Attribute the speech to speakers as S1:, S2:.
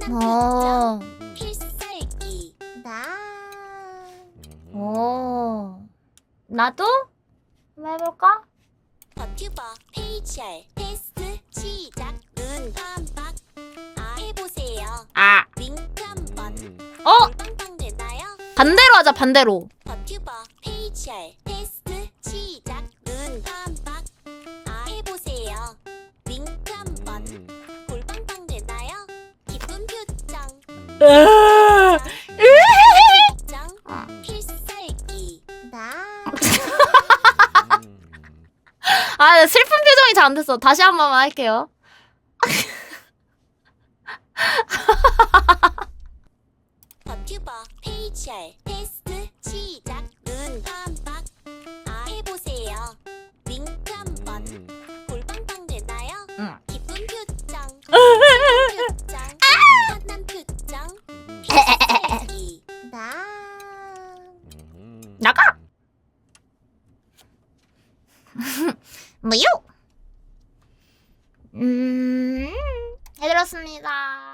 S1: 어.
S2: 필살기.
S1: 나도? 한번 해볼까?
S2: 버튜버 페이셜 테스트 시작. 눈 깜빡. 해보세요.
S1: 아.
S2: 윙크 한번. 빵빵 되나요?
S1: 반대로 하자, 반대로.
S2: 버튜버 페이셜 테스트 시작. 눈 깜빡. 해보세요. 윙크 한번. 볼빵빵 되나요? 기쁜 표정. 표정. 필살기.
S1: 아, 슬픈 표정이 잘 안 됐어. 다시 한 번만 할게요.
S2: 버튜버 페이셜 테스트 시작. 눈 깜빡. 해보세요. 윙크 한번. 볼빵빵 되나요?
S1: 응.
S2: 기쁜 표정. 표정. 환한 표정. 필살기.
S1: 나가! 뭐요? 해드렸습니다.